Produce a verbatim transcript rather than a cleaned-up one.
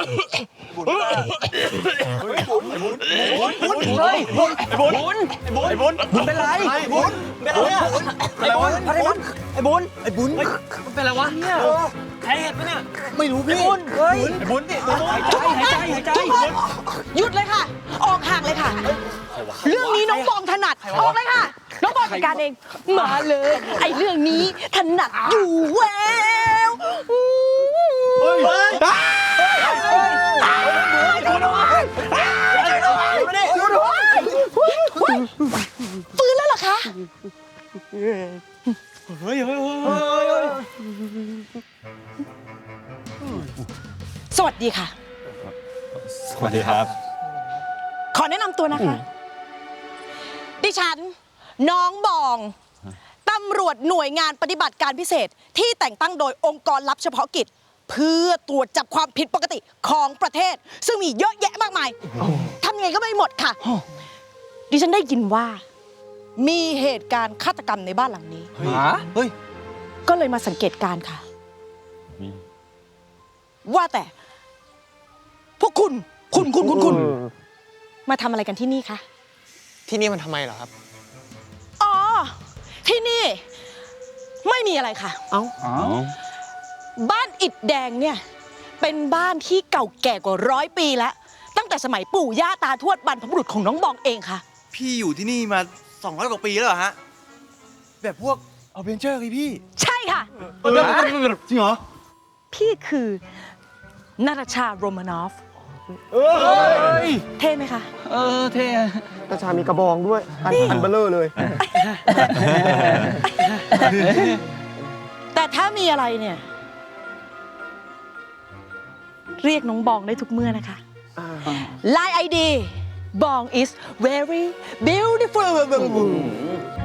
บุญเฮ้ยบุญบุญบุญเฮ้ยบุญบุญบุญไอ้บุญบุญเป็นไรไอ้บุญเป็นอะไรไอ้บุญไอ้บุญไอ้บุญไอ้บุญมันเป็นอะไรวะเนี่ยแพ้เห็ดปะเนี่ยไม่รู้พี่บุญเฮ้ยไอ้บุญดิหายใจหายใจหายใจหยุดเลยค่ะออกห่างเลยค่ะเรื่องนี้น้องบองถนัดออกเลยค่ะน้องบองจัดการเองมาเลยไอ้เรื่องนี้ถนัดอยู่แววเฮ้ยเฮ้ยฟื้นแล้วเหรอคะเฮ้ยเฮ้ยเฮ้ยสวัสดีค่ะสวัสดีครับขอแนะนำตัวนะคะดิฉันน้องบองตำรวจหน่วยงานปฏิบัติการพิเศษที่แต่งตั้งโดยองค์กรลับเฉพาะกิจเพื่อตรวจจับความผิดปกติของประเทศซึ่งมีเยอะแยะมากมายทำยังไงก็ไม่หมดค่ะดิฉันได้ยินว่ามีเหตุการณ์ฆาตกรรมในบ้านหลังนี้เฮ้ยก็เลยมาสังเกตการค่ะว่าแต่พวกคุณคุณคุณคุณคุณมาทำอะไรกันที่นี่คะที่นี่มันทำไมเหรอครับอ๋อที่นี่ไม่มีอะไรค่ะเอ้าบ้านอิฐแดงเนี่ยเป็นบ้านที่เก่าแก่กว่าร้อยปีแล้วตั้งแต่สมัยปู่ย่าตาทวดบรรพบุรุษของน้องบองเองค่ะพี่อยู่ที่นี่มาสองร้อยกว่าปีแล้วเหรอฮะแบบพวกอเวนเจอร์เลยพี่ใช่ค่ะจริงเหรอพี่คือนาตาชาโรมานอฟเท่ไหมคะเออเท่นาตาชามีกระบองด้วยอันอันเบลเลอร์เลยแต่ถ้ามีอะไรเนี่ยเรียกน้องบองได้ทุกเมื่อนะคะ ไลน์ ไอ ดี บอง is very beautiful